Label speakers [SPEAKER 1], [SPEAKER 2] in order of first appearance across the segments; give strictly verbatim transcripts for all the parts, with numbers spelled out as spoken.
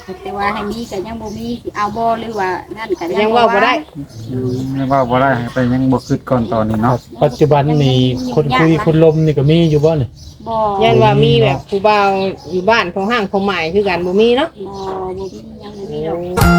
[SPEAKER 1] แต่ว่าให้มีก็ยังบ่มีสิเอาบ่หรือว่านั่นก็
[SPEAKER 2] ยังเว้าบ่ได้
[SPEAKER 3] ยังเว้าบ่ได้ไปยังบ่คิดก่อนตอนนี้เนาะ
[SPEAKER 4] ปัจจุบันนี่คนคุยคนลมนี่ก็มีอยู่บ่นี่
[SPEAKER 1] บ่
[SPEAKER 2] ยันว่ามีแบบผู้บ่าวอยู่บ้านของห้างของหมายคือกันบ่มีเนาะ
[SPEAKER 1] บ่บ่มียังบ่มีดอก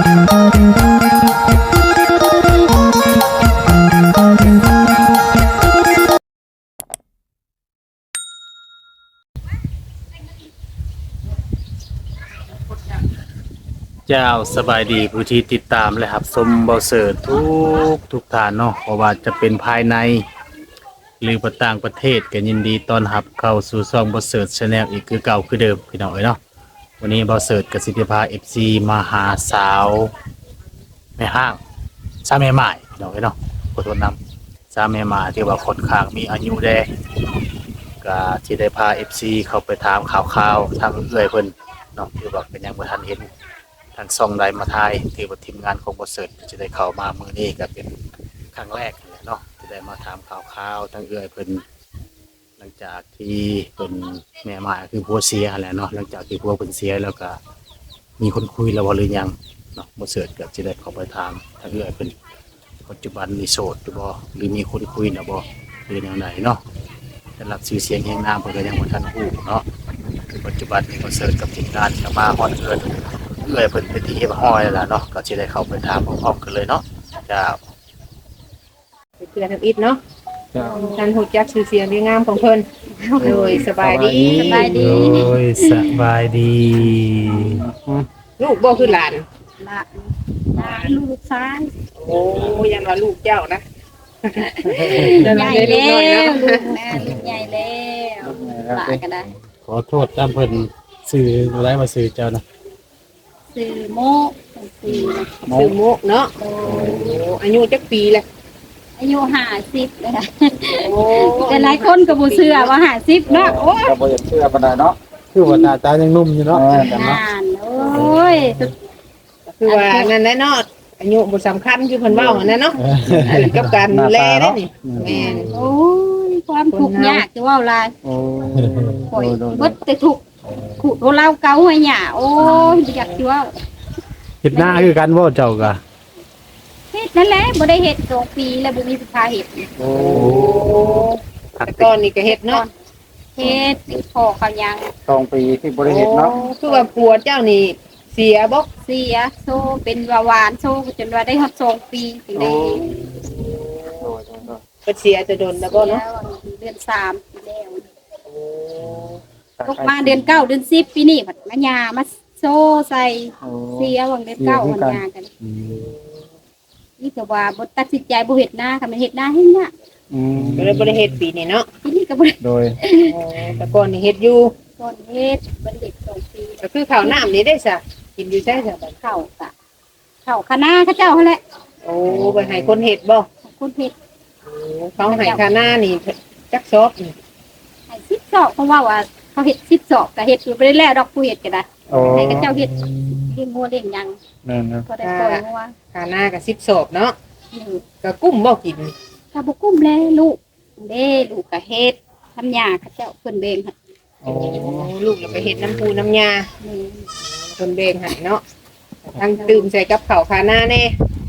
[SPEAKER 4] เจ้าสบายดีผู้ที่ติดตามและรับชมเบาเสิร์ตทุกทุกท่านเนาะเพราะว่าจะเป็นภายในหรือประต่างประเทศก็ยินดีต้อนรับเข้าสู่ช่องเบาเสิร์ต Channel อีกคือเก่าคือเดิมพี่น้องเอ้ยเนาะวันนี้เบาเสิร์ตกับสิทธิภา เอฟ ซี มาหาสาวแม่ห้างสาวแม่หมายพี่น้องเอ้ยเนาะขอโทษนำสาวแม่หมายที่ว่าค่อนข้างมีอายุแดก็สิได้พา เอฟ ซี เข้าไปถามข่าวๆทางเอื้อยเพิ่นเนาะที่ว่าเป็นหยังบ่ทันเห็น ทางซองไดมาไทยที่ว่าทีมงานของบริษัทจะได้เข้ามามื้อนี้ก็เป็นครั้งแรกเลยเนาะจะได้มาถามข่าวๆทางเอื้อยเพิ่นหลังจากที่เป็นแม่มาคือผัวเสียแหละเนาะหลังจากที่ผัวเพิ่นเสียแล้วก็มีคนคุยแล้วบ่หรือยังเนาะบริษัทก็จะได้เข้าไปถามทางเอื้อยเพิ่นปัจจุบันมีโสดหรือบ่หรือมีคนคุยนะบ่หรือแนวไหนเนาะแต่รับชื่อเสียงแห่งนามเพิ่นก็ยังบ่ทันฮู้เนาะคือปัจจุบันมีบริษัทกับทีมงานก็มาฮอดเกิน เอื้อยเพิ่นเป็นที่เฮ็ดห้อยแล้วล่ะเนาะก็สิได้เข้าไปถามพร้อมๆกันเลยเนาะจ้า
[SPEAKER 2] ไปเพื่อทำอิฐเนาะ
[SPEAKER 3] จ้า
[SPEAKER 2] ท่านฮู้จักชื่อเสียงดีงามของเพิ่นโดยสบายดี
[SPEAKER 1] สบายดี
[SPEAKER 4] โอ้ยสบายดี
[SPEAKER 2] ลูกบ่คือหลาน
[SPEAKER 1] ละลาลูกชาย
[SPEAKER 2] โอ้ยันว่าลูกเจ้านะ
[SPEAKER 1] ใหญ่แล้วลูกแม่ลูกใหญ่แล้วละก็ได้
[SPEAKER 4] ขอโทษตามเพิ่นซื้อบ่ได้มาซื้อเจ้านะ
[SPEAKER 1] ซื้อโมกซื้อ
[SPEAKER 2] ชื่อโมกเนาะ
[SPEAKER 1] โอ้
[SPEAKER 2] โอ้อายุจักปีแหละ
[SPEAKER 1] อายุห้าสิบเลยค่ะ
[SPEAKER 2] โอ้
[SPEAKER 1] แต่หลายคนก็บ่เชื่อว่าห้าสิบเนาะโอ้ย
[SPEAKER 3] ก็บ่อยากเชื่อปานใดเนาะ
[SPEAKER 4] คือว่าหน้าตายังหนุ่มอยู่เนาะ
[SPEAKER 3] เออแต่เนาะ
[SPEAKER 1] นานโอ้ย
[SPEAKER 2] คือว่านั่นแหละเนาะอายุบ่สำคัญคือเพิ่นเว้าหั่นน่ะเนาะกับการดูแลได้นี่แม่น
[SPEAKER 1] โอ้ยความทุกข์ยากจะว่าหลาย
[SPEAKER 3] โอ้
[SPEAKER 1] ข่อย
[SPEAKER 3] โดย
[SPEAKER 1] เบิดแต่ทุกข์ขู่โทรเล่าเกาให้หย่าโอ้ยบ่อยากสิเว่า
[SPEAKER 4] เฮ็ดหน้าคือกันบ่เจ้าก็
[SPEAKER 1] เฮ็ดนั่นแหละบ่ได้เฮ็ดสองปีแล้วบ่มีสิทธาเฮ็ด
[SPEAKER 3] โอ้
[SPEAKER 2] แต่ก่อนนี่ก็เฮ็ดเนาะ
[SPEAKER 1] เฮ็ดติดคอเขายัง
[SPEAKER 3] สองปีที่บ่ได้เฮ็ดเนาะ
[SPEAKER 2] โอ้คือว่าผัวเจ้านี่เสียบ่
[SPEAKER 1] เสียโซเป็นวาวานโซจนว่าได้ฮอดสองปีถึงได้
[SPEAKER 3] โดยโดยโดย
[SPEAKER 2] เพิ่นเสียจะโดนแล้วบ่เนาะ
[SPEAKER 1] เดือนสามปีแล้วตกมาเดือนเก้าเดือนสิบปีนี้บัดมาหย่ามาโซใส่
[SPEAKER 3] โอ้
[SPEAKER 1] เสียวังเดือนเก้าวันหย่ากัน
[SPEAKER 4] อืม
[SPEAKER 1] นี่ก็ว่าบ่ตัดสินใจบ่เฮ็ดนาค่ะมันเฮ็ดนาให้เนี่ย
[SPEAKER 3] อืม
[SPEAKER 2] ก็เลยบ่ได้เฮ็ดปีนี้เนาะ
[SPEAKER 1] ทีนี้ก็บ่ได้
[SPEAKER 3] โดย
[SPEAKER 2] แต่ก่อนนี่เฮ็ดอยู่
[SPEAKER 1] ก่อนเฮ็ดบ่ได้เฮ็ดสองปี
[SPEAKER 2] ก็คือข้าวน้ำนี่ได้ซะกินอยู่ใช่ซะบัด
[SPEAKER 1] เข้าก็เข้าคณะเขาเจ้าหั่นแหละ
[SPEAKER 2] โอ้ไปให้คนเฮ็ดบ่
[SPEAKER 1] คุณเฮ็ด
[SPEAKER 2] โอ้เขาให้ค่าหน้านี่จักซอบนี่
[SPEAKER 1] ให้สิบศอกเพราะว่าว่าเขาเฮ็ดสิบศอกก็เฮ็ดอยู่บ่ได้แล้วดอกผู้เฮ็ดก็ได้
[SPEAKER 3] โอ้
[SPEAKER 1] ให้เขาเจ้าเฮ็ดเลี้ยงงัวเลี้ยงหยัง
[SPEAKER 3] นั่นนะ
[SPEAKER 1] ก็ได้ปล่อยงัว
[SPEAKER 2] ค่าหน้าก็สิบซอบเนาะ
[SPEAKER 1] นี่
[SPEAKER 2] ก็กุ้มบ่กิน
[SPEAKER 1] ถ้าบ่กุ้มแลลูกเด้ลูกก็เฮ็ดทำหญ้าเขาเจ้าเพิ่นเบ่งให้
[SPEAKER 3] โอ้
[SPEAKER 2] โอ้ลูกเราไปเฮ็ดน้ำปูน้ำยา
[SPEAKER 1] นี่
[SPEAKER 2] คนเบ่งให้เนาะทั้งตื่มใส่กับข้าวค่าหน้าแน่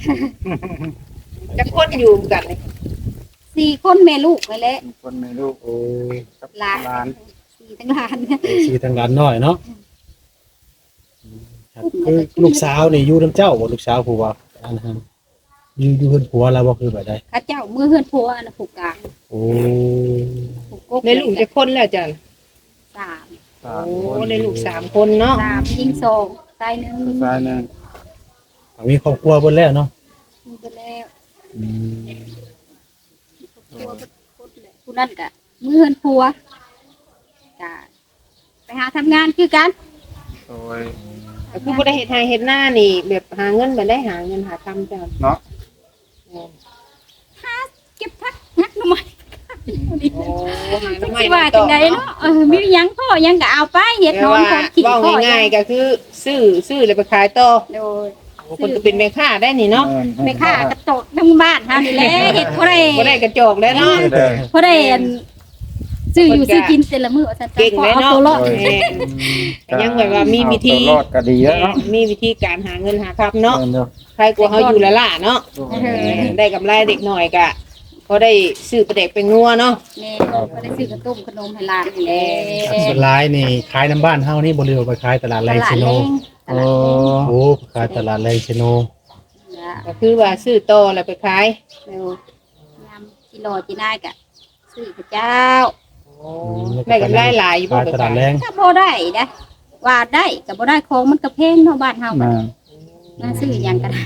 [SPEAKER 2] จักคนอยู่กันนี่
[SPEAKER 1] สี่คนแม่ลูกไปแหล้ว
[SPEAKER 3] มีคนมีลูกโอ้กับ
[SPEAKER 1] หลาน
[SPEAKER 3] หลาน
[SPEAKER 1] สี่ทั้งหลาน
[SPEAKER 4] สีทางด้านน้อยเนาะครับคือลูกสาวนี่อยู่นํเจ้าบ่ลูกสาวผู้ว่าอันนั้นอยู่อยู่เพิ่นผัวแล้วบ่คือแบบใด
[SPEAKER 1] เขาเจ้ามือเฮือนผัวน่ะผู้กลาง
[SPEAKER 4] โอ้
[SPEAKER 1] ผู้กก
[SPEAKER 2] ในลูกจะคนแล้วจ้ะ
[SPEAKER 1] สาม
[SPEAKER 3] สาม
[SPEAKER 2] โอ้
[SPEAKER 3] คน
[SPEAKER 2] ในลูกสามคนเนาะ
[SPEAKER 1] สามยิงสองตายหนึ่ง
[SPEAKER 3] ผู้ชายหนึง
[SPEAKER 4] มีครอบครัวเพิ่นแล้วเนาะ
[SPEAKER 1] มีไปแล้ว
[SPEAKER 4] อืม
[SPEAKER 1] ผัวผู้นั้นก็มือเฮือนผัวก็ไปหาทำงานคือกัน
[SPEAKER 3] โดย
[SPEAKER 2] แต่คือบ่ได้เฮ็ดให้เฮ็ดหน้านี่ แบบหาเงินบ่ได้หาเงินหาคำจ้ะ
[SPEAKER 3] เนาะ
[SPEAKER 1] เก็บพักนักหน่อย
[SPEAKER 2] โอ้หา
[SPEAKER 1] จั
[SPEAKER 2] น้ำ
[SPEAKER 1] ง
[SPEAKER 2] ไม้
[SPEAKER 1] สิว่าจังไดเนาะเออมีหยังพ่อหยังก็เอาไปเฮ็ดนอนของขี้
[SPEAKER 2] เว้า
[SPEAKER 1] พ่อ
[SPEAKER 2] ง่ายๆก็คือซื้อซื้อแล้วไปขายต่อ
[SPEAKER 1] โดย
[SPEAKER 2] โอ้คนก็เป็นแม่ค้าได้นี่เนาะ
[SPEAKER 1] ไปฆ่ากระโตกทั้งบ้านเฮานี่แหละเฮ็ดบ่ได้
[SPEAKER 2] บ่ได้กระจอกแล้วเนาะ
[SPEAKER 3] เด้อ
[SPEAKER 1] บ่ได้อันซื้อซื้ออยู่ซื้อกินแต่ละมื้อว่าซั่น
[SPEAKER 2] เก่งเลย
[SPEAKER 1] เอา
[SPEAKER 2] เนาะ
[SPEAKER 1] ตัวรอด
[SPEAKER 2] แม่นก็ยังแบบว่ามีวิธี
[SPEAKER 3] เอาตัวรอดก็ดีแล้วเนาะ
[SPEAKER 2] มีวิธีการหาเงินหาคำเนาะ
[SPEAKER 3] แม่นเด้อ
[SPEAKER 2] ใครกลัวเขาอยู่ละล่ะเนาะได้กำไรเด็กหน่อยกะเขาได้ซื้อประเด็กเป็นงัวเนาะ
[SPEAKER 1] แม่ก็ได้ซื้อกระต้มขนมให้หลานนี่แหละ
[SPEAKER 4] ส่วนหลายนี่ขายน้ำบ้านเฮานี่บ่เลือกไปขายตลาด
[SPEAKER 1] ต
[SPEAKER 4] แรง
[SPEAKER 1] ลาด
[SPEAKER 4] ชิโน
[SPEAKER 1] แรงต
[SPEAKER 4] โอ้
[SPEAKER 1] ลาดแรง
[SPEAKER 4] โหขายตลาดแรงชิโน
[SPEAKER 1] จ้ะ
[SPEAKER 2] ก็คือว่าซื้อโตแล้วไปขาย
[SPEAKER 1] เร็วยามกิโลจีนายกะซื้อพระเจ้า
[SPEAKER 2] ได้กำไรหลายอยู่บ่
[SPEAKER 4] ขาย
[SPEAKER 2] ไป
[SPEAKER 4] ตลา
[SPEAKER 2] ขา
[SPEAKER 4] ด
[SPEAKER 2] ย
[SPEAKER 4] แรง
[SPEAKER 1] ถ้าบ่ได้นะว่าได้ก็บ่ได้ของมันก็แพงเนาะบ้านเฮา
[SPEAKER 3] แม่น
[SPEAKER 1] น่าซื้อหยังกัน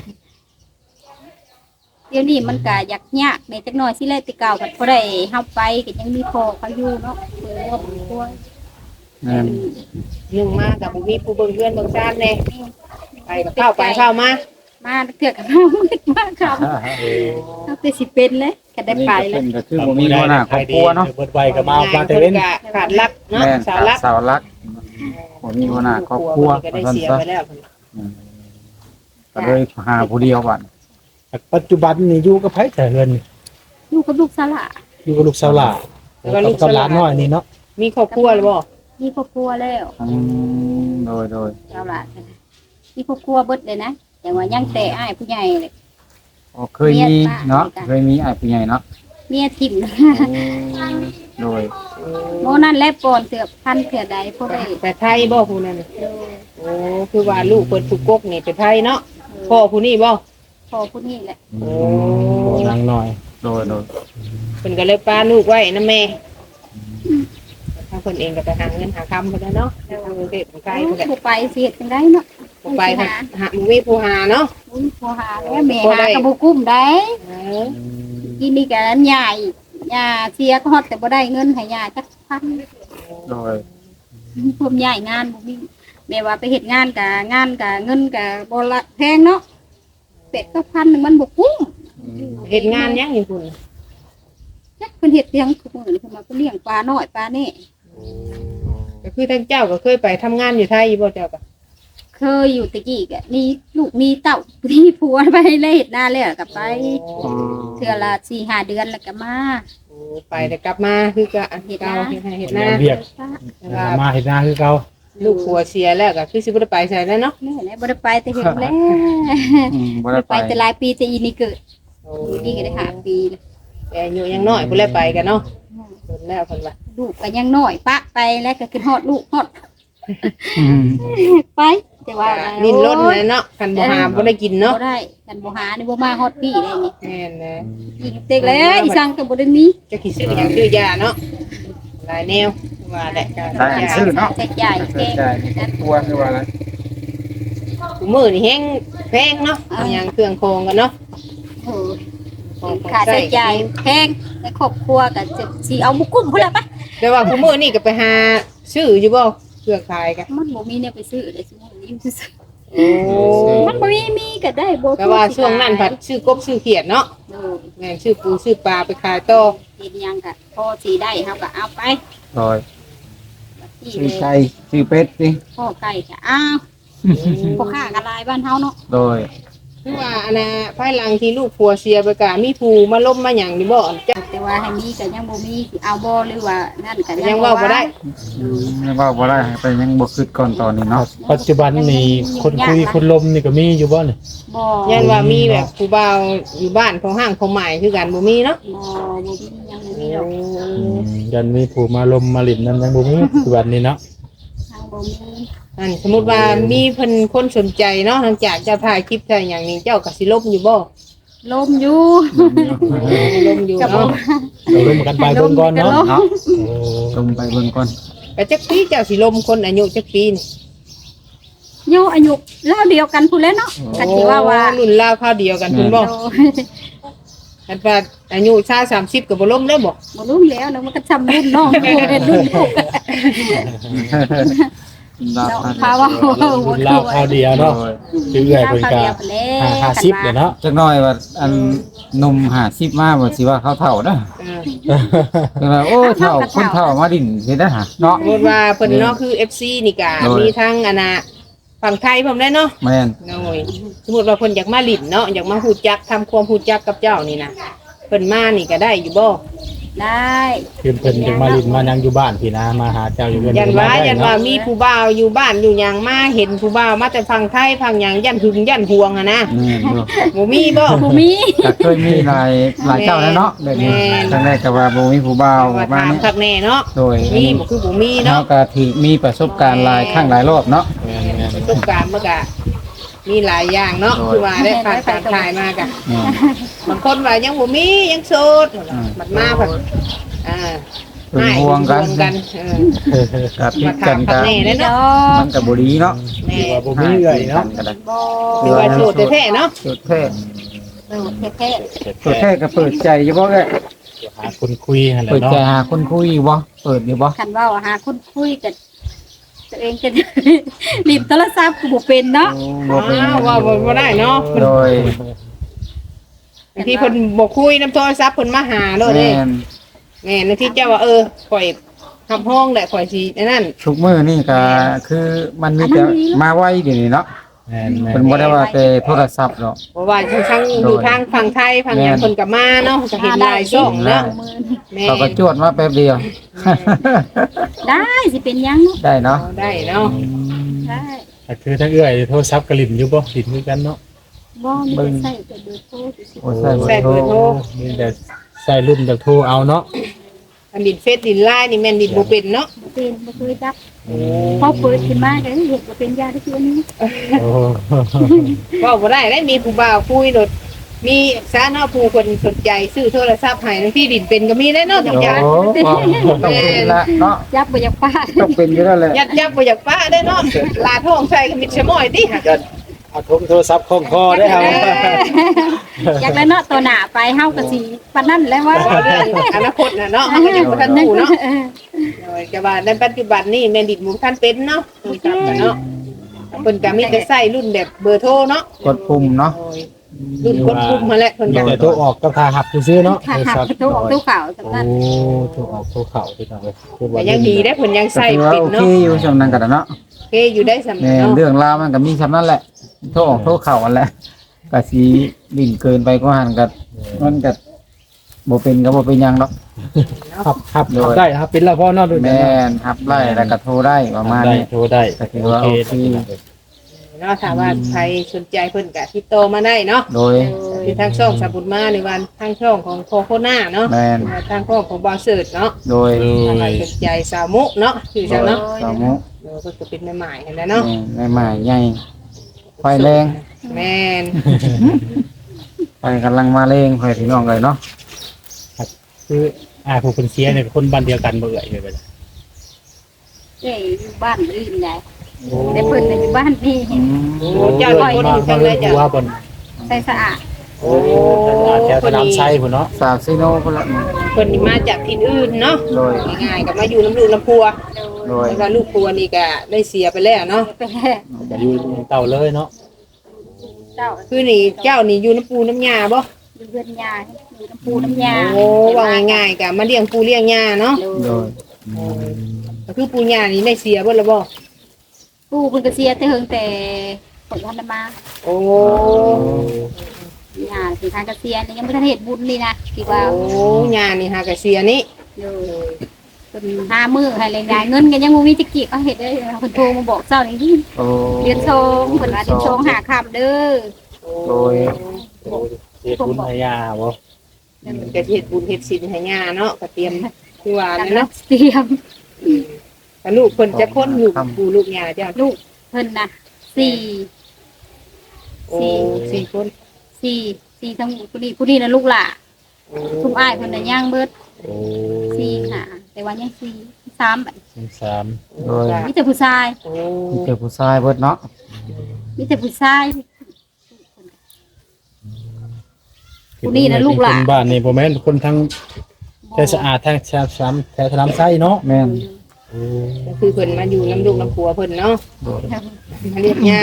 [SPEAKER 1] เดี๋ยวนี้มันก็อยากยากในจักหน่อยสิแลแต่เก่าก็บ่ได้เฮาไปก็ยังมีพ่อเขาอยู่เนาะเพิ่นว่าบ่ควร
[SPEAKER 3] แม่น
[SPEAKER 2] หนึ่งมากับบ่มีผู้เบิ่งเพื่อนเบิ่งชาติแน่ไปก็เข้าไปเข้ามา
[SPEAKER 1] มาเถื่อกับน้องมืดมากครับเอาแต่สิเป็นเลยก็ได้ไปแล้ว
[SPEAKER 3] ก็คือบ่มีหัวหน้าครอบครัวเนาะ
[SPEAKER 4] เบิดไวก็มามาแต่เว้น
[SPEAKER 2] ก็ขาดรักเนาะ
[SPEAKER 3] แม่น
[SPEAKER 2] สาวรัก
[SPEAKER 3] สาวรักบ่มีหัวหน้าครอบครัว
[SPEAKER 2] ก็ได้
[SPEAKER 3] ว่าซั่น
[SPEAKER 2] เสีย
[SPEAKER 3] ซะ
[SPEAKER 2] ไปแล้ว
[SPEAKER 3] ก็เลยหาผู้เดียวบัด
[SPEAKER 4] ปัจจุบันนี่อยู่กับไผแต่เฮือน
[SPEAKER 1] อยู่กับลูกสาวหละ
[SPEAKER 4] อยู่กับลูกสาวหลานแล้วก็กับหลานน้อยนี่เนาะ
[SPEAKER 2] มีครอบครัวหรือบ่
[SPEAKER 1] มีครอบครัวแล้ว
[SPEAKER 3] อืมโดยโดย
[SPEAKER 1] สาวหละมีครอบครัวเบิดเลยนะแต่ว่ายังแต่อ้ายผู้ใหญ่เลย
[SPEAKER 3] อ๋อเคยมีเนาะเคยมีอ้ายผู้ใหญ่เนาะ
[SPEAKER 1] เมียทิ่ม
[SPEAKER 3] โดย
[SPEAKER 1] โมนั่นแหละปอนเสือพันเสือใดพวกได้
[SPEAKER 2] แต่ไทยบ่ผู้นั้นโอ้คือว่าลูกเพิ่นถูกกกนี่เป็นไทยเนาะพ่อผู้นี้บ่
[SPEAKER 1] พอผู้นี้แหละ
[SPEAKER 2] โอ้
[SPEAKER 4] นางน้อย
[SPEAKER 3] โดยโดย
[SPEAKER 2] เพิ่นก็เลยป้าลูกไว้นำแม่ทางเพิ่นเองก็ไปหาเงินหาคำเพิ่นเนาะทางกรุงเทพของไทยเพิ่นแหละ
[SPEAKER 1] ผู้ไปเสียจังได้เนาะ
[SPEAKER 2] บ่ไปหาหามีผู้หาเนาะ
[SPEAKER 1] อุ้ยผู้หาแล้วแม่หากระบุกุ้มได้
[SPEAKER 2] เออ
[SPEAKER 1] กินนี่กันใหญ่ยาเสียก็ฮอดแต่บ่ได้เงินให้ยาจักพัน
[SPEAKER 3] โดย
[SPEAKER 1] พวมใหญ่งานบ่มีแม่ว่าไปเฮ็ดงานกะงานกะเงินกะบ่ละแพงเนาะเป็ดก็พันหนึงมันบ่คุ้ม
[SPEAKER 2] เฮ็ดงานหยังอยู่พุ่น
[SPEAKER 1] จักเพิ่นเฮ็ดเลี้ยงทุกมื้อนี่เพิ่นมาเพิ่นเลี้ยงปลาน้อยปลานี่
[SPEAKER 2] ก็คือท่านเจ้าก็เคยไปทำงานอยู่ไทยอยู่บ่เจ้าก็
[SPEAKER 1] เคยอยู่ตะกี้กะมีลูกมีเต้ามีผัวไปเลยเฮ็ดนาแล้วก็ไปเทื่อละสี่ห้าเดือนแล้วก็มา
[SPEAKER 2] โอ้ไปแต่กลับมาคือก็เฮ็ดเก่าเฮ็ดให้เฮ็ดหน้า
[SPEAKER 4] เรียก
[SPEAKER 2] ว่า
[SPEAKER 4] มาเฮ็ดหน้าคือเก่า
[SPEAKER 2] ลูกผัวเสียแล้วก็คือสิบ่ได้ไปใส่แล้วเนาะ
[SPEAKER 1] แม่แหละบ่ได้ไปแต่เฮ็ดแล้ว
[SPEAKER 3] อืมบ่
[SPEAKER 1] บ่
[SPEAKER 3] ได้
[SPEAKER 1] ได้
[SPEAKER 3] ไป
[SPEAKER 1] ไปแต่หลายปีแต่อีนี่เกิด
[SPEAKER 2] โอ้
[SPEAKER 1] อีนี่ก็ได้ห้าปีแล้ว
[SPEAKER 2] แต่อายุยังน้อยบ่ได้ไปกันเนาะเพิ่นแล้วเพิ่นว่า
[SPEAKER 1] ลูกก็ยังน้อยปะไปแล้วก็ขึ้นฮอดลูกฮอด
[SPEAKER 3] อืม
[SPEAKER 1] ไปแต่ว่า
[SPEAKER 2] ลิ้นรถเลยเนาะคันบ่หาบ่ได้กิน
[SPEAKER 1] เนาะ
[SPEAKER 2] เนาะ
[SPEAKER 1] ได้กันบ่หานี่บ่มาฮอดพี่ได้นี่
[SPEAKER 2] แม่นนะ
[SPEAKER 1] ยิงเต็กเลยอีสังก็บ่ได้มี
[SPEAKER 2] จะคิดซื้อหยังซื้อยาเนาะหลายแนวว่าแหละก็
[SPEAKER 3] ได้อันซื้อเนาะ
[SPEAKER 1] ใช้จ่าย
[SPEAKER 3] ใช่
[SPEAKER 1] แพง
[SPEAKER 3] ใช่ตัวคือว่าอะไร
[SPEAKER 2] ผู้มื้อนี่แฮงแพงเนาะเอาหยังเครื่องโครงกันเนาะ
[SPEAKER 1] โอ้ยค่าใช้จ่ายแพงในครอบครัวก็จะสิเอาบุกุ้มพุ่นละปะ
[SPEAKER 2] แต่ว่าผู้มื้อนี่ก็ไปหาซื้ออยู่บ่เครื่องขายกัน
[SPEAKER 1] มันบ่มีเนี่ยไปซื้อได้ซุมื้อนี้อยู่ซื่อ
[SPEAKER 2] โอ้
[SPEAKER 1] ๆมันบ่มีมีก็ได้บ่
[SPEAKER 2] แต่ว่าช่วงนั้นผัดซื้อกบซื้อเขียดเนาะ
[SPEAKER 1] โอ้ย
[SPEAKER 2] แม่นซื้อปูซื้อปลาไปขายต่อ
[SPEAKER 1] เฮ็ดหยังก็พอสิได้เฮาก็เอาไป
[SPEAKER 3] โดย
[SPEAKER 1] ที่
[SPEAKER 3] ชื่อ
[SPEAKER 1] เลย
[SPEAKER 3] ไก่ชื่อเป็ดสิ
[SPEAKER 1] พ่อไก่ก็อ้าวพ่อค้าก็หลายบ้านเฮาเนาะ
[SPEAKER 3] โดย
[SPEAKER 2] คือว่าอันน่ะภายหลังที่ลูกผัวเสียไปก็มีผู้มาล้มมาหยังนี่บ่จ้ะ
[SPEAKER 1] แต่ว่าให้มีก็ยังบ่มีสิเอาบ่หรือว่านั่นก็
[SPEAKER 2] ยังเว้าบ่ได้
[SPEAKER 3] อืมยังว่าบ่ได้ให้ไปยังบ่คิดก่อนตอนนี้เนาะ
[SPEAKER 4] ปัจจุบันนี่คนคุยคนลมนี่ก็มีอยู่บ่นี่
[SPEAKER 1] บ่
[SPEAKER 2] ยันว่ามีแบบผู้บ่าวอยู่บ้านของห้างของหมายคือกันบ่มีเนาะ
[SPEAKER 1] บ่บ่มียังบ่มีดอก
[SPEAKER 4] ยันมีผู้มาลมมาหลินนั้นยังบ่มีปัจจุบันนี้เนาะ
[SPEAKER 1] ทางบ่มี
[SPEAKER 2] อันสมมุติว่ามีเพิ่นคนสนใจเนาะหลังจากเจะถ่ายคลิปถ่ายหยังนี่เจ้าก็สิลบอยู่บ่
[SPEAKER 1] ลมอยู่
[SPEAKER 2] ลมอยู่
[SPEAKER 1] กับบ่
[SPEAKER 2] เนาะ
[SPEAKER 4] เราลมกันไปเบิ่งก่อนเนาะ
[SPEAKER 3] เนาะ
[SPEAKER 4] โอ้
[SPEAKER 3] ลงไปเบิ่งก่อน
[SPEAKER 2] แต่จักปีเจ้าสิลมคนอายุจักปีนี่
[SPEAKER 1] โยอายุราวเดียวกันพุ่นแหล้วเนาะก็สิว่าว่า
[SPEAKER 2] โอ้รุ่นราวคราวเดียวกันเพิ่นบ่
[SPEAKER 1] โด
[SPEAKER 2] คันว่าอายุชาสามสิบก็บ่ลมได้บ่
[SPEAKER 1] บ่รู้แล้วเนาะมันก็จำรุ่นน้องโอ้เป็นรุ่นลูก
[SPEAKER 3] รับ
[SPEAKER 1] เนาะ
[SPEAKER 3] ทัน
[SPEAKER 1] พาว่า
[SPEAKER 4] รุ่นราวคราวเดียวเนาะคือเอื้อยเพิ่นก็ห้าห้าสิบเลยเนาะ
[SPEAKER 3] จักหน่อยว่าอันหนุ่มห้าสิบมาบ่สิว่าเขาเฒ่าเด้อ
[SPEAKER 2] เออ
[SPEAKER 3] คือว่าโอ้เฒ่าคนเฒ่ามาดินสิได้หาเนาะ
[SPEAKER 2] สมมุติว่าเพิ่นเนาะคือ เอฟ ซี นี่ก็
[SPEAKER 3] โดย
[SPEAKER 2] มีทั้งอันน่ะฝั่งไทยพร้อมได้เนาะ
[SPEAKER 3] แม่น
[SPEAKER 2] น้อยสมมุติว่าเพิ่นอยากมาลิ้นเนาะอยากมาฮู้จักทำความฮู้จักกับเจ้านี่นะเพิ่นมานี่ก็ได้อยู่บ่
[SPEAKER 1] ได้
[SPEAKER 4] คือเพิ่นจึงมาลินมานั่งอยู่บ้านพี่นะมาหาเจ้าอยู่เรือน
[SPEAKER 2] ยันว่ายันว่า
[SPEAKER 4] เนาะ
[SPEAKER 2] มีผู้บ่าวอยู่บ้านอยู่หยังมาเห็นผู้บ่าวมาแต่ฟังไทยฟังหยังยันหึงยันห่วงอะนะ
[SPEAKER 3] แม่นบ่
[SPEAKER 2] บ่มีบ่
[SPEAKER 1] บ่มี
[SPEAKER 3] ก็เคยมีหลายหลายเจ้าแล้วเนาะแบบนี้
[SPEAKER 2] แม่น
[SPEAKER 3] ครั้งแรกก็ว่าบ่มีผู้บ่าว
[SPEAKER 2] ว่า
[SPEAKER 3] มา
[SPEAKER 2] ถาม
[SPEAKER 3] นี่
[SPEAKER 2] คักแน่เนาะ
[SPEAKER 3] โดย
[SPEAKER 2] มีบ่คือบ่มี
[SPEAKER 3] เนาะ
[SPEAKER 2] เนาะ
[SPEAKER 3] ก็ถือมีประสบการณ์หลายครั้งหลายรอบเนาะ
[SPEAKER 2] ประสบการณ์มันก็มีหลายอย่างเนาะคือว่าได้ผ่านการถ่ายมาก็บางคนว่ายังบ่มียังโสดบัดมาเพิ่นอ่า
[SPEAKER 3] เป็นห่วงกัน
[SPEAKER 2] ห่วงกันเออ
[SPEAKER 3] กับพิ
[SPEAKER 2] มา
[SPEAKER 3] ด
[SPEAKER 2] ถา
[SPEAKER 3] กั
[SPEAKER 2] ม
[SPEAKER 3] น
[SPEAKER 2] คั
[SPEAKER 3] กั
[SPEAKER 2] ก
[SPEAKER 3] น
[SPEAKER 2] แน่เด้อ
[SPEAKER 1] ด
[SPEAKER 2] เนาะ
[SPEAKER 1] อก
[SPEAKER 3] มันก็บ่ดีเนาะ
[SPEAKER 2] แม่
[SPEAKER 4] บ่มีเอื้อยเนาะ
[SPEAKER 3] ก็ได้
[SPEAKER 1] บ่
[SPEAKER 2] คือว่าโสดแท้ๆเนาะ
[SPEAKER 3] สุดแท้
[SPEAKER 1] เออแท้
[SPEAKER 3] สุดแท้ก็เปิดใจอยู่บ่แก
[SPEAKER 4] หาคนคุยหั่นแหละ
[SPEAKER 3] เปิดใจ
[SPEAKER 4] เนาะ
[SPEAKER 3] หาคนคุยบ่เปิดอยู่บ่
[SPEAKER 1] ๆคันเว้าหาคนคุยกันตัวเองจะ รีบโทรศัพท์ก็บ่เป็นเนาะ
[SPEAKER 3] บ่เป็น
[SPEAKER 2] อ้าวว่าบ่บ่ได้เนาะ
[SPEAKER 3] โดย
[SPEAKER 2] บางทีเพิ่นบ่คุยนํโทรศัพท์เพิ่นมาหาโลดเด้
[SPEAKER 3] แม่น
[SPEAKER 2] แม่นางที่เจ้าว่าเออข่อยทำห้องแหละข่อยสิไอ้นั่น
[SPEAKER 3] ทุกมื้อนี่ก็คือมันมีแต่มาไวเดี๋ยวนี้เนาะ
[SPEAKER 4] แม่นแม่
[SPEAKER 3] เป็น
[SPEAKER 4] น
[SPEAKER 3] บ่ได้ว่าแต่โทรศัพท์เนาะ
[SPEAKER 2] เพราะว่าทั้งอยู่ทางฝั่งไทยฝั่งหยังเพิ่นก็มาเนาะก็เห็นหลายช่องเนาะ
[SPEAKER 1] มือนี่
[SPEAKER 2] แม่
[SPEAKER 3] เขาก็จวดมาแป๊บเดียว
[SPEAKER 1] ได้สิเป็นหยังเนาะ
[SPEAKER 3] ได้เนาะ
[SPEAKER 2] เอาได้เนาะ
[SPEAKER 1] ได้
[SPEAKER 4] ก็คือทั้งเอื้อยโทรศัพท์ก็ลินอยู่บ่ลินคือกันเนาะ
[SPEAKER 1] บ่มีแต่ใส่แต่เบอร์โทรซื่อ
[SPEAKER 3] โอ้ใส่เบอร์โทร
[SPEAKER 4] มีแต่ใส่รุ่นแบบโทรเอาเนาะ
[SPEAKER 2] อันดินเฟซดินไลน์นี่แม่นดินบ่เป็นเนาะ
[SPEAKER 1] ๆบ่เป็นบ่เคยจับพอเปิดขึ้นมาก็เห็นว่าเป็นยาที่คืออันนี้
[SPEAKER 4] โอ้
[SPEAKER 2] เว้าบ่ได้ได้มีผู้บ่าวคุยโดดมีสาเนาะผู้คนสนใจซื้อโทรศัพท์ให้บางทีดินเป็นก็มีได้เนาะจัง
[SPEAKER 3] โอ้
[SPEAKER 2] จัง
[SPEAKER 3] ต้องเป็นละเนาะ
[SPEAKER 1] จับบ่อยากป้า
[SPEAKER 3] ต้องเป็นอยู่แล้วแหละ
[SPEAKER 2] ยัดยับบ่อยากป้าได้เนาะลาท้องใส่ก็มิดชะม้อยติค่ะ
[SPEAKER 4] เอาโทรโทรศัพท์คล้องคอได้ครับ
[SPEAKER 1] อยากได้เนาะตัวหน้าไปเฮาก็สิปานนั้นแหล้วว่า
[SPEAKER 2] ว่าเรื่องอนาคตน่ะเนาะเฮาก็ยังบ่ทันรู้เนาะ โดยแต่ว่าในปัจจุบันนี่แม่นดิดหมูท่านเป็นเนาะโดยครับกันเนาะเพิ่นก็มีแต่ใช้รุ่นแบบเบอร์โทรเนาะ
[SPEAKER 3] กดปุ่มเนาะ
[SPEAKER 2] โดยรุ่นกดปุ่มมาแหละเพิ่นก็
[SPEAKER 4] แต่โทรออกก็พาหับซื่อๆเนาะ
[SPEAKER 1] ค่ะค่ะประตูออกตู้ขาวสำ
[SPEAKER 4] โอ้
[SPEAKER 1] คัญ
[SPEAKER 4] โทรออกโทรเข้าพี่น้องเอ้ยคือ
[SPEAKER 2] ก็
[SPEAKER 4] ว่า
[SPEAKER 2] ยังดีได้เพิ่นยัง
[SPEAKER 3] ก็
[SPEAKER 2] ใช้
[SPEAKER 3] ถือว่า
[SPEAKER 2] ปิด
[SPEAKER 3] โอเค
[SPEAKER 2] เนาะ
[SPEAKER 3] อยู่ช่วงนั้นก็ได้เนาะ
[SPEAKER 2] โอเคอยู่ได้สำ
[SPEAKER 3] แม่
[SPEAKER 2] เนาะ
[SPEAKER 3] เรื่องราวมันก็มีซำนั้นแหละโทรออกโทรเข้าอันแหละก็สิดิ่นเกินไปก็หันก็มันก็บ่เป็นก็บ่เป็นหยังดอก
[SPEAKER 4] ขับขับขับได้นะครับเป็นแล้วพ่อเนาะด้วย
[SPEAKER 3] แม่นทับไล่แล้วก็โทรได้ประมาณ
[SPEAKER 4] ได้
[SPEAKER 3] นี้
[SPEAKER 4] โทรได้
[SPEAKER 3] ก็ถือว่าโอเค
[SPEAKER 2] เนาะถ้าว่าใครสนใจเพิ่นก็ติดต่อมาได้เนาะ
[SPEAKER 3] โดย
[SPEAKER 2] คือทางช่องสาบุญมาในวันทางช่องของโคโคนาเนาะ
[SPEAKER 3] แม่น
[SPEAKER 2] ทางช่องของบอสเสิร์ตเนาะ
[SPEAKER 3] โดย
[SPEAKER 2] ถ้าใครสนใจสาวมุเนาะคือจังเนาะ
[SPEAKER 3] สามุ
[SPEAKER 2] เออเพิ่นก็เป็นแม่หมายกันแล้วเนาะ
[SPEAKER 3] แม่ใหม่ใหญ่ไฟแรง
[SPEAKER 2] แม่น
[SPEAKER 3] ไฟกำลังมาแรงไฟพี่น้องเลยเนาะ
[SPEAKER 4] คืออ่าผู้คนเสียเนี่ยคนบ้านเดียวกันบ่เอ่ยเลยไปเลย
[SPEAKER 1] เอ้ยอยู่บ้านอื่นได้แต่เพิ่นน่ะอยู่บ้านนี่
[SPEAKER 2] โอ้เจ้าเป็นคนอยู่จังเลยจ้ะ
[SPEAKER 4] ว่าบน
[SPEAKER 1] ใส่สะอาด
[SPEAKER 2] โอ้
[SPEAKER 4] แถวสนามไซพุ่นเนาะ
[SPEAKER 3] สาวซีโน่พุ่นละ
[SPEAKER 2] เพิ่นนี่มาจากที่อื่นเนาะ
[SPEAKER 3] โดย
[SPEAKER 2] ง่ายๆก็มาอยู่น้ำลูกน้ำพัว
[SPEAKER 3] โดย
[SPEAKER 2] แล้วก็ลูกพัวนี่ก็ได้เสียไปแล้วเนาะ
[SPEAKER 1] ไปแล้
[SPEAKER 4] จะอยู่เต่าเลยเนาะ
[SPEAKER 1] เจ้า
[SPEAKER 2] คือนี่เจ้านี่อยู่น้ำปูน้ำยาบ่
[SPEAKER 1] อยู่เรือนยาอยู่น้ำปูน้ำยา
[SPEAKER 2] โอ้ว่าง่ายๆก็มาเลี้ยงปูเลี้ยงยาเนาะ
[SPEAKER 3] โดย
[SPEAKER 2] ก็คือปูยานี่ได้เสียเบิดแล้วบ่
[SPEAKER 1] ปูเพิ่นก็เสียแต่เฮิงแต่ผลพันธุ์มา
[SPEAKER 2] โอ้
[SPEAKER 1] ยาสิทางก็เสียนี่ยังบ่ทันเฮ็ดบุญนี่นะที่ว่า
[SPEAKER 2] โอ้ยานี่หากะเสียนี่
[SPEAKER 1] เด้อเพิ่นหามื้อให้แรงงานเงินก็ยังบ่มีจักกี่ก็เฮ็ดได้เพิ่นโทรมาบอกเจ้านี่
[SPEAKER 3] โอ้
[SPEAKER 1] เดือนสองเพิ่นว่าเดือนสองหาค่ำเด้อ
[SPEAKER 3] โดย
[SPEAKER 4] เสียทุนพยาบ่
[SPEAKER 2] มันก็เฮ็ดบุญเฮ็ดศีลให้ยาเนาะก็เตรียมคือว่า
[SPEAKER 1] กัน
[SPEAKER 2] นั่น
[SPEAKER 1] เนาะ
[SPEAKER 2] เนาะ
[SPEAKER 1] เตรียม
[SPEAKER 2] ก็ลูกเพิ่นจะพ้นลูกปูลูกยาเจ้า
[SPEAKER 1] ลูกเพิ่นน่ะสี่
[SPEAKER 2] โอ้สี่คน
[SPEAKER 1] สี่สี่ทั้งผู้นี้ผู้นี้น่ะลูกหล่ะทุกอ้ายเพิ่นน่ะย่างเบิด
[SPEAKER 4] โอ้
[SPEAKER 1] สี่ค่ะแต่ว่ายังสี่สามบัด
[SPEAKER 4] สาม
[SPEAKER 3] โดย
[SPEAKER 1] มีแต่ผู้ชาย
[SPEAKER 2] โอ้
[SPEAKER 3] มีเจอผู้ชายเบิดเนาะ
[SPEAKER 1] มีแต่ผู้ชาย ผู้นี้น่ะลูกหลาน
[SPEAKER 4] คนบ้านนี่บ่แม่นคนทั้งแถวสะอาดทั้งแถวสามแถวสนามไซเนาะ
[SPEAKER 3] แม่น
[SPEAKER 2] ก็คือเพิ่นมาอยู่น้ำลูกน้ำผัวเพิ่นเนาะ
[SPEAKER 3] โดย
[SPEAKER 2] มาเรียกยา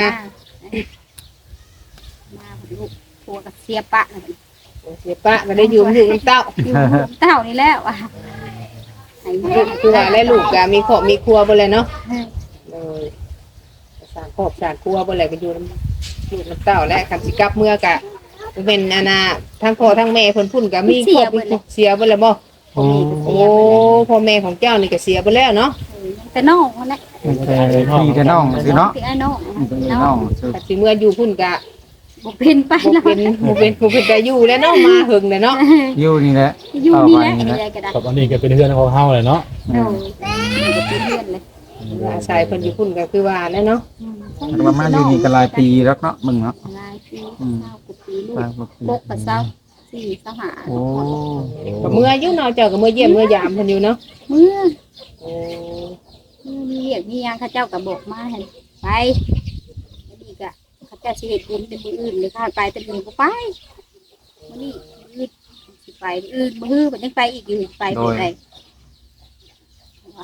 [SPEAKER 1] มาลูกผัวกับเสียปะน่ะ
[SPEAKER 2] เสียปะก็ได้อยู่น้ำลูกน้ำเต้า
[SPEAKER 1] อยู่เต้านี่แล้วอ่ะให้
[SPEAKER 2] ลูกคือว่าและลูกก็มีครอบมีครัวบ่เลยเนาะเออสร้างครอบสร้างครัวบ่เลยก็อยู่น้ำลูกน้ำเต้าและคันสิกลับเมื่อกะเป็นอันน่ะทั้งพ่อทั้งแม่เพิ่นพุ่นก็มีครอบมีครัวเสียบ่เลยบ่
[SPEAKER 1] พ่อแม่ก็
[SPEAKER 2] โอ้
[SPEAKER 1] เสียไปแล้ว
[SPEAKER 2] พ่อแม่ของเจ้านี่ก็เสียไปแล้วเนาะ
[SPEAKER 1] เออแต่น้องนั่นแหละ
[SPEAKER 3] แต่พี่แต่น้องสิเนาะ
[SPEAKER 1] ที่ไอ้น้อง
[SPEAKER 3] พี่แต่
[SPEAKER 1] น้
[SPEAKER 3] น้
[SPEAKER 1] อ
[SPEAKER 3] อง งสิ
[SPEAKER 2] แต่สิเมื่ออยู่พุ่นก็
[SPEAKER 1] บ่เป็นไป
[SPEAKER 2] บ่
[SPEAKER 1] แล้ว
[SPEAKER 2] เป็นบ่เป็นบ่เป็นแต่อยู่แล้วเนาะมาหึงเลยเนาะ
[SPEAKER 3] อยู่นี่แหละ
[SPEAKER 1] อยู่นี่แหละ
[SPEAKER 3] เอาไว้
[SPEAKER 1] อะไรก็ได้
[SPEAKER 5] กับอันนี้ก็เป็นเพื่อนของเฮาเลยเนาะ
[SPEAKER 1] โอ้ยก็เป็นเพื่อนเลย
[SPEAKER 2] อาศัยเพิ่นอยู่พุ่นก็คือว่าแล้วเนาะ
[SPEAKER 1] อืม
[SPEAKER 3] แล้วมามาอยู่นี่ก็หลายปีแล้วเนาะมึงเนาะ
[SPEAKER 1] หลายปี
[SPEAKER 3] อืม
[SPEAKER 1] เศร้ากว่าปีลูก
[SPEAKER 3] หลายกว่าปี
[SPEAKER 1] ปกกับเศร้าสี่เศร้าหา
[SPEAKER 3] โอ้
[SPEAKER 2] ก็เมื่ออยู่เนาะเจ้าก็เมื่อเยี่ยมเมื่อยามเพิ่นอยู่เนาะ
[SPEAKER 1] เมื่อ
[SPEAKER 2] โอ้
[SPEAKER 1] เมื่อมีเรียกมีหยังเข้าเจ้าก็บอกมาให้ไปแล้วนี่ก็เข้าเจ้าสิเฮ็ดบุญเป็นมื้ออื่นหรือข้าไปแต่มื้อบ่ไปมื้อนี้มื้ออื่นสิไปมื้ออื่นมื้อฮื้อมันยังไปอีกอยู่ไปเป็นไดว่า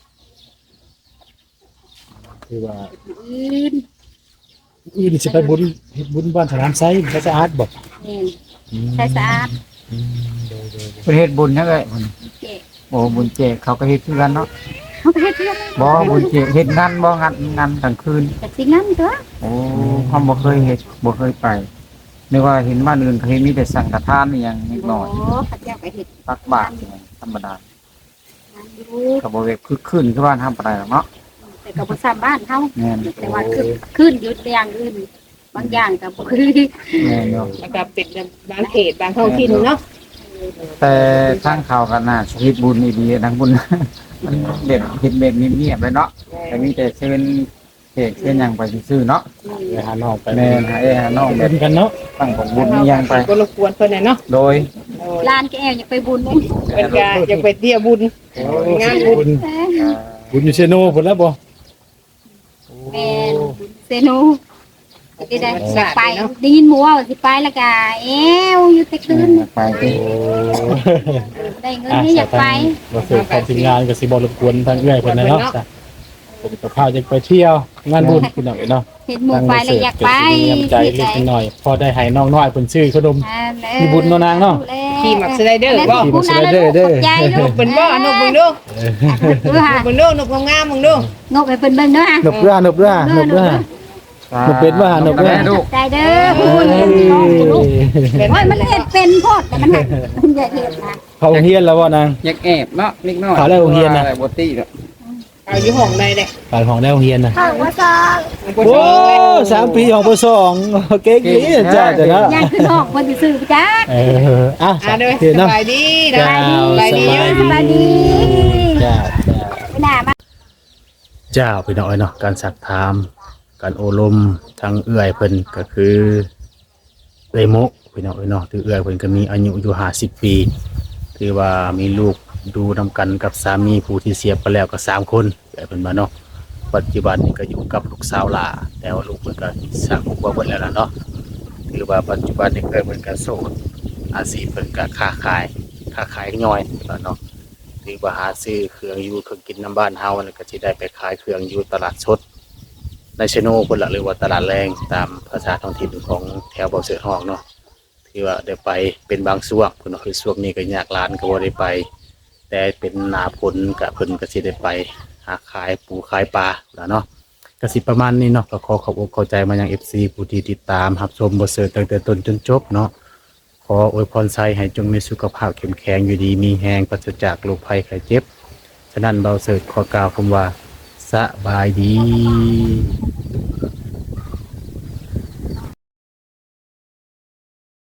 [SPEAKER 5] คือว่า
[SPEAKER 1] มื้ออื่น
[SPEAKER 5] อื่นสิไปบุญเฮ็ดบุญบ้านสนามไซพระสะอาดบ่
[SPEAKER 1] แม่นใช้สะอาด
[SPEAKER 5] อืมโดย
[SPEAKER 3] ประเทศบุญนั่นแหละ
[SPEAKER 1] เจ๊
[SPEAKER 3] โอ้บุญเจกเขาก็เฮ็ดคือกันเนาะ
[SPEAKER 1] เขาไปเฮ็ดเรื่อง
[SPEAKER 3] บ่บุญเจกเฮ็ดงานบ่งานงานกลางคืน
[SPEAKER 1] แต่สิงั้นตัว
[SPEAKER 3] โอ้เขาบ่เคยเฮ็ดบ่เคยไปนึกว่าเห็นบ้านอื่นเขาเฮ็ดมีแต่สังฆทานอหย่างนิดหน่อย
[SPEAKER 1] โอ้เข้าเจ้าก็เฮ็ด
[SPEAKER 3] ตักบาตรอหยังธรรมดาง
[SPEAKER 1] านอยู่
[SPEAKER 3] ก็บ่เวกคือขึ้นคือบ้านทำปานใดหรอกเนาะ
[SPEAKER 1] แต่ก็บ่ซ้ำบ้านเฮา
[SPEAKER 3] แม่น
[SPEAKER 1] แต่ว่าขึ้นขึ้นอยู่อย่างอื่นบางอย่างก็บ่คือ
[SPEAKER 3] แม่นอยู่
[SPEAKER 2] แล้วก็เป็นบางเขตบางท้องถิ่นเนาะ
[SPEAKER 3] แต่ทางเขาก็น่าสิเฮ็ดบุญดีๆทางบุญ มันเด็ดเฮ็ดแบบเงียบๆเลยเนาะแต่มีแต่เชิญเค้กเชิญหยังไปซื่อๆเนาะ
[SPEAKER 5] ๆไปหาน้องไป
[SPEAKER 3] แม่นหาเอ้หาน้องแบ
[SPEAKER 5] เป็
[SPEAKER 3] บ
[SPEAKER 5] นกันเนาะ
[SPEAKER 3] ตั้งของบุญมีหยังไป
[SPEAKER 2] ก็รบกวนเพิ่นน่ะเนาะ
[SPEAKER 3] โดย
[SPEAKER 2] โอ้ย
[SPEAKER 1] ลานแกแอวอยากไปบุญเด้
[SPEAKER 2] เพิ่นก็อยากไปเที่ยวบุญ งานบุญ
[SPEAKER 5] บุญบุญอยู่เชโนพุ่นแล้วบ่
[SPEAKER 1] แม่นบุญเซโนสิได้อยากไปได้ยินหมู่ว่าสิไปแล้วก็แอวอยู่แต่คืน
[SPEAKER 3] ไปสิ
[SPEAKER 1] ได้เงินนี่อยากไป
[SPEAKER 5] บ่เสิร์ฟของทีมงานก็สิบ่รบกวนทางเอื้อยเพิ่นนะเนาะจ้ะผมกับข้าวจะไปเที่ยวงานบุญพี่น้องเนาะ
[SPEAKER 1] เห็นหมู่ไปแล้วอยากไป
[SPEAKER 5] มีน้ำใจเล็กน้อยพอได้ให้น้องน้อยเพิ่นซื้อขนม
[SPEAKER 1] อ่าเด้อ
[SPEAKER 5] มีบุญเนาะนางเนาะ
[SPEAKER 2] ขี่มักสไลเดอร์บ่
[SPEAKER 5] ขี่มักสไลเดอร์เด้อ
[SPEAKER 1] ขบใจ
[SPEAKER 2] น
[SPEAKER 1] ลู
[SPEAKER 2] ก
[SPEAKER 1] ก
[SPEAKER 2] เพิ่นบ่นกเบิ่งดู
[SPEAKER 1] ดูค่ะ
[SPEAKER 2] นกเบิ่งดูนกงามๆเบิ่งดู
[SPEAKER 1] งกให้เพิ่นเบิ่งเด้อค่ะ
[SPEAKER 5] นบเรือ นบเรือ นบเรือ หนูเป็นว่าหนูเป็น
[SPEAKER 3] แม่ลูก
[SPEAKER 1] ใจเด้อพูดเห็นน้องลูกโอ้ยมันเห็ดเป็นโพดแต่มันหักมันอย่าเห็ดนะ
[SPEAKER 5] เขาเฮียนแล้วบ่นาง
[SPEAKER 3] อยากแอบเนาะนิดหน่อย
[SPEAKER 5] เขาได้โรงเรียนน่ะ
[SPEAKER 3] อะไรบ่ตี้เนาะ
[SPEAKER 2] เอาอยู่ห้องใดเด้
[SPEAKER 5] ปานของได้โรงเรียนน่ะ
[SPEAKER 1] ข้าวว่าซอง
[SPEAKER 5] โอ้สามปีของปสองเก่งดีจ้าจ้ะเนาะ
[SPEAKER 1] ย่างขึ้นออกคนสิซื้อจ้า
[SPEAKER 5] เอออ่ะ
[SPEAKER 2] อ่าเด้อ
[SPEAKER 5] เดี๋ยว
[SPEAKER 2] ส
[SPEAKER 5] เนาะ
[SPEAKER 2] บายดีนะ
[SPEAKER 5] จ้า
[SPEAKER 2] สบายดี
[SPEAKER 1] สบายดี
[SPEAKER 5] จ้าจ้า
[SPEAKER 1] ไปหน้ามา
[SPEAKER 4] เจ้าพี่น้อยเนาะการสักถามการโอลมทางเอื้อยเพิ่นก็คือเอื้อยมกพี่น้อยเนาะถือเอื้อยเพิ่นก็มีอายุอยู่ห้าสิบปีถือว่ามีลูกดูนำกันกับสามีผู้ที่เสียไปแล้วก็สามคนเอื้อยเพิ่นมาเนาะปัจจุบันนี่ก็อยู่กับลูกสาวหลาแต่ว่าลูกเพิ่นก็สร้างครอบครัวเบิดแล้วล่ะเนาะถือว่าปัจจุบันนี่เอื้อยเพิ่นก็โสดอาชีพเพิ่นก็ค้าขายค้าขายย่อยแล้วเนาะ ถือว่าหาซื้อเครื่องอยู่เครื่องกินน้ำบ้านเฮาแล้วก็สิได้ไปขายเครื่องอยู่ตลาดสดในชโนพุ่นละหรือว่าตลาดแรงตามภาษาท้องถิ่นของแถวบ่อเสือทองเนาะที่ว่าได้ไปเป็นบางช่วงพุ่นเนาะคือช่วงนี้ก็ยากลานก็บ่ได้ไป แต่เป็นหน้าฝนก็เพิ่นก็สิได้ไปหาขายปูขายปลาแล้วเนาะก็สิประมาณนี้เนาะก็ขอขอบอกเข้าใจมายัง เอฟ ซี ผู้ที่ติดตามรับชมบ่อเสือตั้งแต่ต้นจนจบเนาะ ขออวยพรไซให้จงมีสุขภาพเข้มแข็งอยู่ดีมีแหงปราศจากโรคภัยไข้เจ็บ ฉะนั้นเบาเสิร์ตขอกล่าวคำว่าสบายดี